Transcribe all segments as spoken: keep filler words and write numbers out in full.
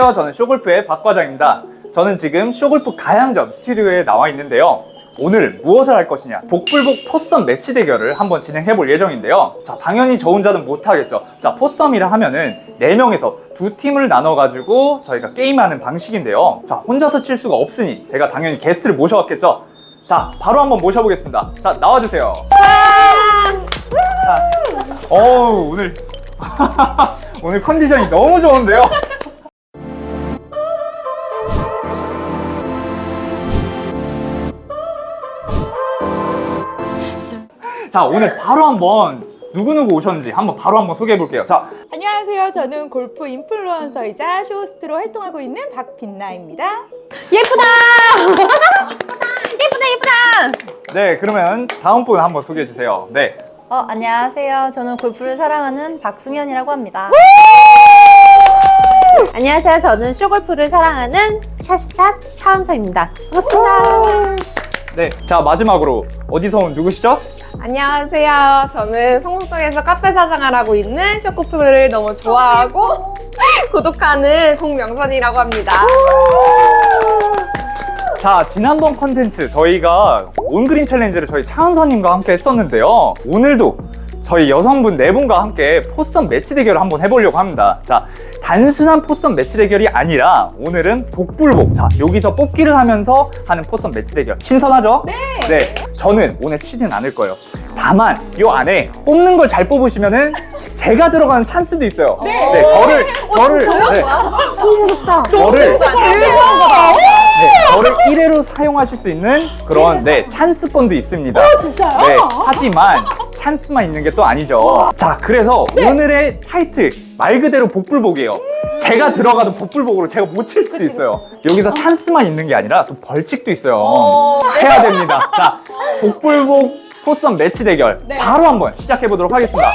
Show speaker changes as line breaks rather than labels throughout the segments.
안녕하세요. 저는 쇼골프의 박 과장입니다. 저는 지금 쇼골프 가양점 스튜디오에 나와 있는데요. 오늘 무엇을 할 것이냐, 복불복 포썸 매치 대결을 한번 진행해 볼 예정인데요. 자, 당연히 저 혼자는 못하겠죠. 자, 포썸이라 하면은 네 명에서 두 팀을 나눠 가지고 저희가 게임하는 방식인데요. 자, 혼자서 칠 수가 없으니 제가 당연히 게스트를 모셔왔겠죠. 자, 바로 한번 모셔보겠습니다. 자, 나와주세요. 자, 어우, 오늘 오늘 컨디션이 너무 좋은데요. 자, 오늘 바로 한번 누구누구 오셨는지 한번 바로 한번 소개해 볼게요. 자,
안녕하세요. 저는 골프 인플루언서이자 쇼호스트로 활동하고 있는 박빛나입니다.
예쁘다! 예쁘다 예쁘다!
네, 그러면 다음 분 한번 소개해 주세요. 네.
어, 안녕하세요. 저는 골프를 사랑하는 박승현이라고 합니다.
안녕하세요. 저는 쇼골프를 사랑하는 샷샷 차은서입니다. 반갑습니다.
네, 자, 마지막으로 어디서 온 누구시죠?
안녕하세요. 저는 성북동에서 카페 사장을 하고 있는 쇼골프를 너무 좋아하고 구독하는 공명선이라고 합니다.
자, 지난번 컨텐츠 저희가 온그린 챌린지를 저희 차은서님과 함께 했었는데요. 오늘도 저희 여성분 네 분과 함께 포썸 매치 대결을 한번 해보려고 합니다. 자, 단순한 포썸 매치 대결이 아니라 오늘은 복불복. 자, 여기서 뽑기를 하면서 하는 포썸 매치 대결. 신선하죠? 네. 네, 저는 오늘 치진 않을 거예요. 다만 이 안에 뽑는 걸 잘 뽑으시면은 제가 들어가는 찬스도 있어요. 네, 네 저를 저를 네.
너무 좋다.
저를
제일 좋은 거다.
네, 저를 일 회로 사용하실 수 있는 그런 네 찬스권도 있습니다.
어, 진짜요?
네, 하지만 찬스만 있는 게 또 아니죠. 자, 그래서
네.
오늘의 타이틀 말 그대로 복불복이에요. 제가 들어가도 복불복으로 제가 못 칠 수도 있어요. 여기서 찬스만 있는 게 아니라 또 벌칙도 있어요. 해야 됩니다. 자, 복불복 포썸 매치 대결
네.
바로 한번 시작해 보도록 하겠습니다.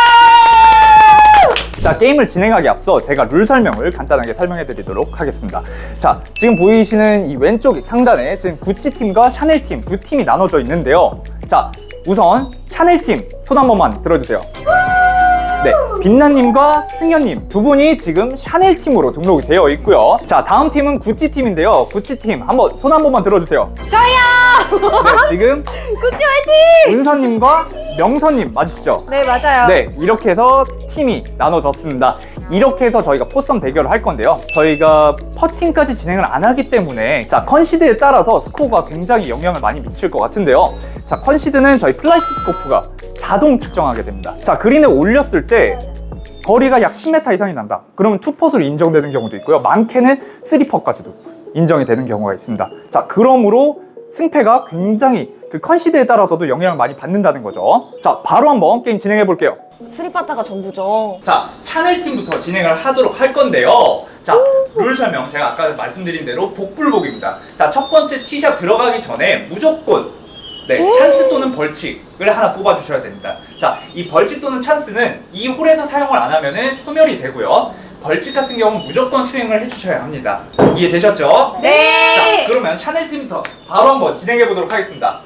자, 게임을 진행하기 앞서 제가 룰 설명을 간단하게 설명해 드리도록 하겠습니다. 자, 지금 보이시는 이 왼쪽 상단에 지금 구찌 팀과 샤넬 팀 두 팀이 나눠져 있는데요. 자, 우선 샤넬 팀 손 한 번만 들어주세요. 네, 빛나님과 승현님 두 분이 지금 샤넬 팀으로 등록이 되어 있고요. 자, 다음 팀은 구찌 팀인데요. 구찌 팀 한번 손 한 번만 들어주세요.
저요!
네, 지금
구찌 화이팅!
은서님과 명서님 맞으시죠?
네, 맞아요.
네, 이렇게 해서 팀이 나눠졌습니다. 이렇게 해서 저희가 포썸 대결을 할 건데요. 저희가 퍼팅까지 진행을 안 하기 때문에 자, 컨시드에 따라서 스코어가 굉장히 영향을 많이 미칠 것 같은데요. 자, 컨시드는 저희 플라이트 스코프가 자동 측정하게 됩니다. 자, 그린에 올렸을 때 거리가 약 십 미터 이상이 난다. 그러면 투퍼스로 인정되는 경우도 있고요. 많게는 쓰리 퍼까지도 인정이 되는 경우가 있습니다. 자, 그러므로 승패가 굉장히 그 컨시드에 따라서도 영향을 많이 받는다는 거죠. 자, 바로 한번 게임 진행해 볼게요.
스리파타가 전부죠.
자, 샤넬 팀부터 진행을 하도록 할 건데요. 자, 룰 설명 제가 아까 말씀드린 대로 복불복입니다. 자, 첫 번째 티샷 들어가기 전에 무조건 네, 찬스 또는 벌칙을 하나 뽑아주셔야 됩니다. 자, 이 벌칙 또는 찬스는 이 홀에서 사용을 안 하면은 소멸이 되고요. 벌칙 같은 경우는 무조건 수행을 해주셔야 합니다. 이해되셨죠?
네.
자, 그러면 샤넬 팀부터 바로 한번 진행해 보도록 하겠습니다.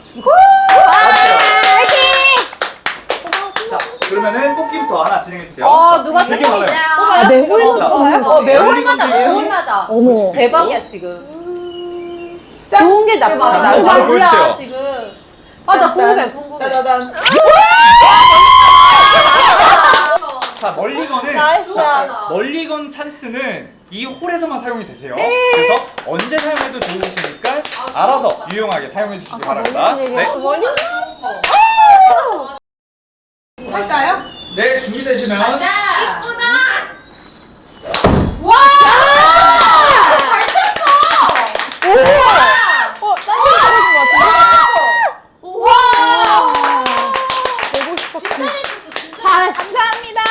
자, 그러면은 뽑기부터 하나 진행해 주세요.
어, 누가
되게
생각
많아요.
있나요?
네,
자,
홀마다
어, 매
열리건
홀마다, 매
들고.
홀마다.
어머.
대박이야, 지금. 좋은 게 나쁘지
자,
나도
바로
몰라,
보여주세요.
지금. 아, 나 궁금해, 궁금해.
따다단.
자, 멀리건은
나이스.
자, 멀리건 찬스는 이 홀에서만 사용이 되세요. 그래서 언제 사용해도 좋으시니까 알아서 유용하게 사용해 주시기 바랍니다. 네.
할까요?
네, 준비되시면
와! 잘 쳤어!
어, 딴데 잘해준 것 같은데?
와!
보고 싶었어.
잘했어.
감사합니다.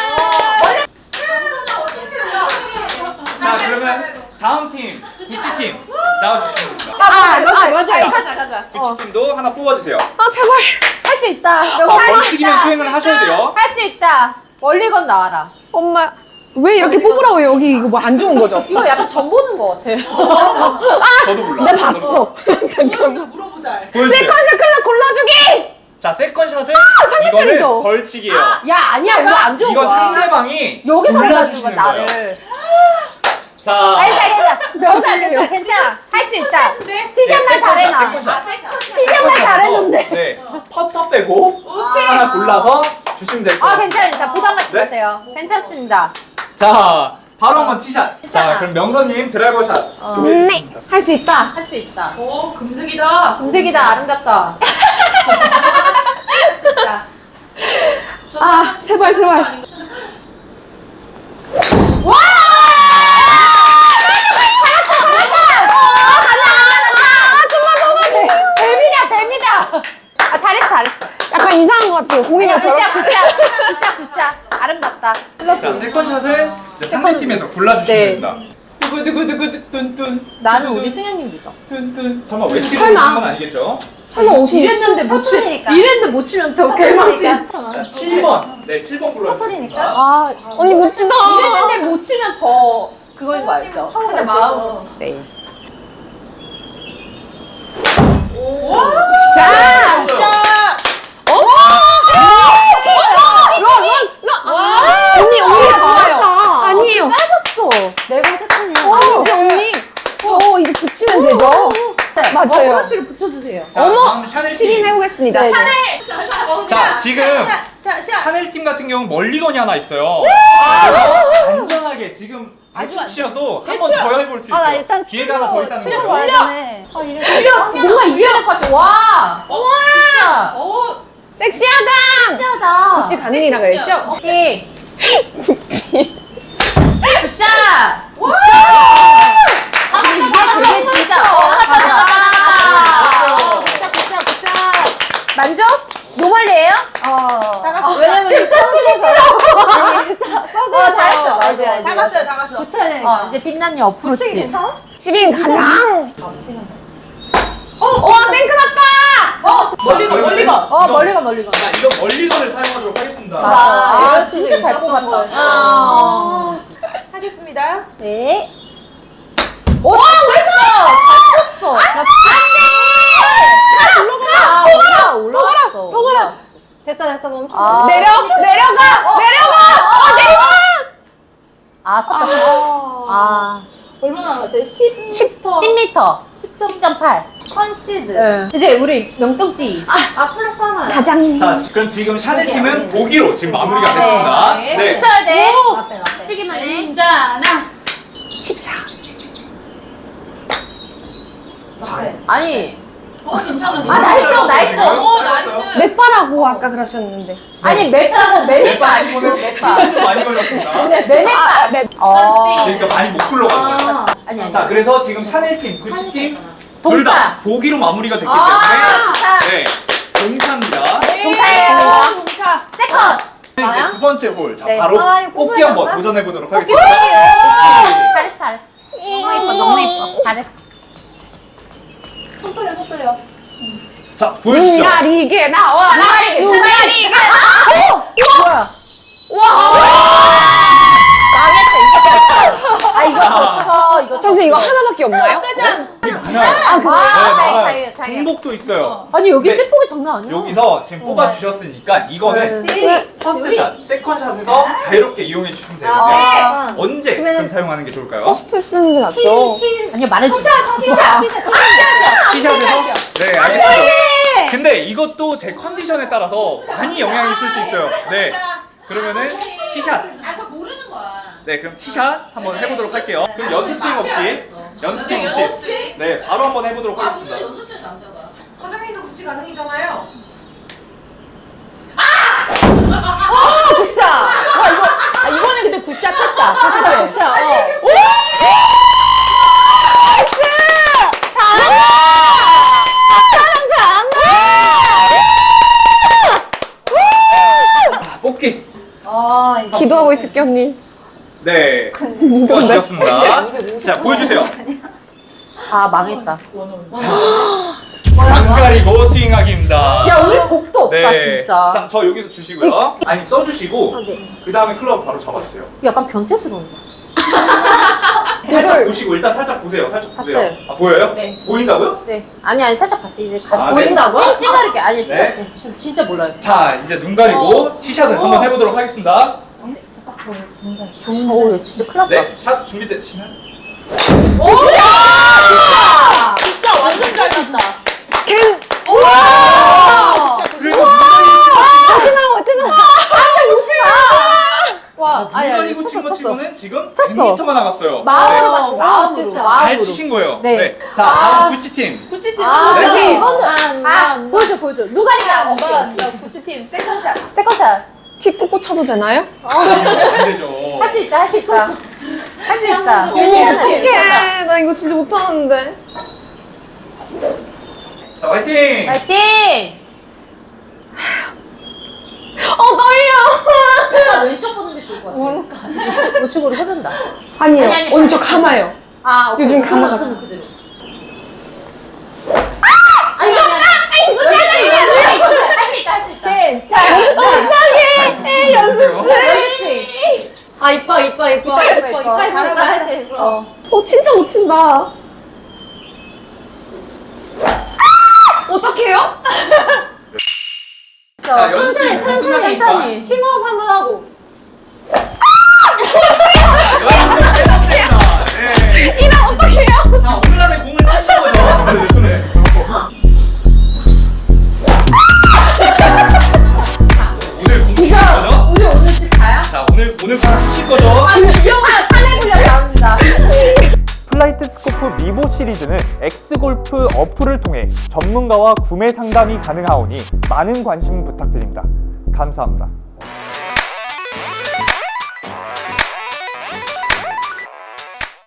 자, 그러면 다음 팀 구찌 팀 나와주시면 됩니다.
아, 맞아, 맞아. 가자, 가자.
구찌 팀도 하나 뽑아주세요.
아, 제발.
할 수 있다.
자, 벌칙이면 수행을 하셔야 돼요.
할 수 있다. 멀리건 나와라.
엄마, 왜 이렇게 뽑으라고 여기 이거 뭐 안 좋은 거죠?
이거 약간 점 보는 거 같아.
저도 몰라.
나 봤어. 잠깐만.
물어보자.
보여주세요.
세컨샷 클럽 골라주기!
자, 세컨샷은
상대편이죠?
이거는 벌칙이에요.
야, 아니야. 이거 안 좋은
이거
거야.
상대방이
여기서 골라주는
골라주시는
거야,
거예요.
나를.
자,
괜찮아, 괜찮아. 괜찮아, 괜찮아. 할 수 있다. 티샷만 잘해, 나. 티샷만 잘해놓는데.
네, 퍼터 빼고 하나 골라서 주시면 될
아,
거예요.
괜찮아요. 자, 부담 갖지
네?
마세요. 괜찮습니다.
자, 바로 한번 티샷.
괜찮아.
자, 그럼 명선님 드라이버 샷
네.
준비해주겠습니다.
할 수 있다. 할 수 있다.
오, 금색이다.
금색이다. 아름답다. 할 수 있다.
아, 제발, 제발.
와! 잘했다, 잘했다! 아, 간다, 간다! 아, 정말, 정말! 뱀이다, 뱀이다! 아, 잘했어, 잘했어.
약간 이상한 것 같아요. 공이가
굿샷,
저렇게.
굿샷, 굿샷, 굿샷. 아름답다.
자, 세컨샷은 이제 상대팀에서 골라주시면
네.
됩니다.
두구두구두구 뚠뚠.
나는 우리 승현님 믿어.
뚠뚠.
설마 외치고
설마.
있는 건 아니겠죠?
설마 오십.
이랬는데 못 치,
첫돌이니까.
이랬는데 못 치면 더 개망신.
자, 칠 번. 네, 칠 번 골라주세요.
첫돌이니까.
아,
언니 멋지다.
이랬는데 못 치면 더 그거인 거 알죠?
진짜 마음.
네.
자.
자,
언니, 언니가 좋아요. 아니에요.
짧았어.
네번 세컨이야.
아니지, 언니. 저 이제 붙이면 되죠? 맞아요.
어프로치를 붙여주세요.
자,
어머!
다음 샤넬
칠 인
팀.
해보겠습니다.
네,
자, 지금
자, 자.
샤넬 팀 같은 경우는 멀리건이 하나 있어요. 그래서 안전하게 지금
아주
아주 치셔도 한
대충.
번 더 해볼 수 있어요.
아, 나 일단
기회가 하나 더
치고,
있다는
치고
거죠.
와야 되네. 아, 이래.
뭔가 이겨야 될 것 같아. 와! 와!
오,
섹시하다!
섹시하다.
구찌 가능이라 그랬죠?
오케이.
구찌.
굿샷! 아, 근데 이게 되게 진짜. 어, 맞아.
오, 굿샷, 굿샷, 굿샷.
만족? 노멀리에요?
어.
다 갔어.
왜냐면
진짜 치기 싫어.
아니, 써- 써도
어, 잘했어. 맞아,
알지, 알지,
다
맞아.
갔어요, 다 갔어.
붙여야 되니까.
어, 이제 빛나니 어프로치.
붙이기 괜찮아?
십 인 가장.
어, 생크 났다! 어,
멀리건,
자,
멀리건.
어, 멀리건, 멀리건.
자, 이거 멀리건을 사용하도록 하겠습니다.
맞아. 아,
이거
진짜
진짜
잘
있었던
뽑았다.
거였어.
아.
하겠습니다.
네. 오, 왜 쳤어? 잘 쳤어. 안 돼! 아, 올라, 올라갔어.
더 가라.
됐어, 됐어, 멈춰.
아.
내려, 내려가, 내려가. 어, 내려가.
아, 쳤다, 쳤다. 아.
얼마나 남았어요? 십
십 미터. 십 점 팔.
컨시드.
네. 이제 우리 명동띠.
아, 플러스 하나.
가장.
자, 그럼 지금 샤넬
보기,
팀은
보기.
보기로 지금 마무리가
네.
됐습니다.
네.
네.
붙여야 돼.
나빼, 나빼.
치기만 해.
괜찮아.
십사.
나빼.
아니.
어, 괜찮아.
아, 나이스, 나이스.
오, 나이스.
맵바라고 아까 그러셨는데.
아니, 맵바고 맵바
맵바
아니고
치고는
맵바.
좀 많이 걸렸습니다.
맵바.
맵.
어.
그러니까 많이 못 굴러간 거예요.
아,
아니, 아니.
자, 그래서 지금 샤넬 팀, 구찌 팀, 둘
동타.
다 보기로 마무리가 됐기 때문에
아, 좋다.
네, 동타입니다.
동타예요.
동타.
세컨.
이제 두 번째 홀, 자
네.
바로
아, 이거
뽑기 한번
뽑아야
도전해 보도록
뽑기
하겠습니다.
잘했어, 잘했어. 너무 예뻐, 너무 예뻐. 잘했어.
손 떨려, 손 떨려.
자, 보여주시죠.
눈 가리게 나와.
눈 가리게, 눈 가리게. 뭐야? 망했다, 이거. 아, 이거 졌어. 이거
잠시 이거
졌어.
하나밖에 없나요?
이게 많아요.
아,
네,
다행이다,
많아요.
다행이다.
중복도 있어요.
아니, 여기
네.
세폭이 장난 아니야.
여기서 지금 뽑아 주셨으니까 이거는
네.
퍼스트샷, 세컨샷에서 자유롭게 이용해 주시면 되는데
아,
언제
그러면은-
그럼 사용하는 게 좋을까요?
퍼스트 쓰는 게 낫죠.
아니요, 말해주세요.
티샷.
티샷에서? 네, 알겠습니다. 근데 이것도 제 컨디션에 따라서 많이 영향이 있을 수 있어요. 네. 그러면은 티샷.
아, 그거 모르는 거야.
네, 그럼 티샷 한번 해보도록 할게요. 그럼 연습 스윙 없이, 연습 스윙 없이, 네, 바로 한번 해보도록
아, 무슨
하겠습니다.
연습실 남자가. 과장님도 구찌 가능이잖아요.
굿샷. 와, 이거, 아, 이번에 근데 굿샷 했다. 굿샷.
굿샷. 어.
뽑기.
아, 이거.
기도하고 있을게 언니.
네,
무거운데?
수고하셨습니다. 자, 보여주세요.
아, 망했다.
눈 가리고 스윙하기입니다.
야, 우리 복도 없다, 진짜.
자, 저 여기서 주시고요. 아니, 써주시고,
아, 네.
그 다음에 클럽 바로 잡아주세요.
약간 변태스러운데.
살짝 보시고, 일단 살짝 보세요. 살짝 보세요.
봤어요.
아, 보여요?
네.
보인다고요?
네. 아니, 아니, 살짝 봤어. 이제 가.
아, 네.
보신다고요?
찡찡하게. 아니, 진짜,
네.
진- 진짜 몰라요.
자, 이제 눈 가리고 티샷을
어.
한번 해보도록 하겠습니다.
오, 얘 진짜 큰일 났다.
네, 샷 준비되시면
진짜 완전 잘 갔다.
걘
그리고
와, 아니, 아니,
물건이고
쳤어,
친구
쳤어.
치고는 지금
쳤어.
백 미터가 남았어요.
마음으로
네.
봤어, 마음으로.
진짜.
마음으로.
잘 치신 거예요.
네.
자, 다음 구치팀.
구치팀
아,
한 번
저기,
더.
이거는. 아, 보여줘, 보여줘. 누가 이다
한 번 더. 구치팀 세컨샷.
세컨샷.
티 꽂고 쳐도 되나요?
안 되죠.
할 수 있다, 할 수 있다. 할 수 있다.
괜찮아,
괜찮아,
괜찮아.
괜찮아.
나 이거 진짜 못하는데.
자, 화이팅!
파이팅!
어 떨려.
약간 왼쪽 보는 게 좋을 것 같아. 우측, 우측으로 흐른다.
아니에요.
아니, 아니,
언니 저
아니.
감아요.
아, 오케이.
요즘
그러면
감아가지고.
그러면 그대로. 아니, 아니, 아니. 이거 잘해, 이거 잘해. 할수 있다, 할 수 있다.
괜찮아.
에이, 연습.
그렇지.
아 이뻐 이뻐 이뻐.
이뻐,
이뻐,
이뻐.
이빨
잘하고
잘하고
있어.
있어.
어.
어 진짜 못 친다. 어떡해요?
자, 연습
천천히,
끝났으니까.
천천히.
심호흡 한번 하고.
이랑 어떡해요? 자, 오늘 안에 공을 치신 거죠? 네. 오늘 공 치신 거죠?
우리 오늘 집 가요?
자, 오늘 오늘 공 치실 거죠?
유영아 삼 회 분량 나옵니다.
플라이트 스코프 미보 시리즈는 엑스골프 어플을 통해 전문가와 구매 상담이 가능하오니 많은 관심 부탁드립니다. 감사합니다.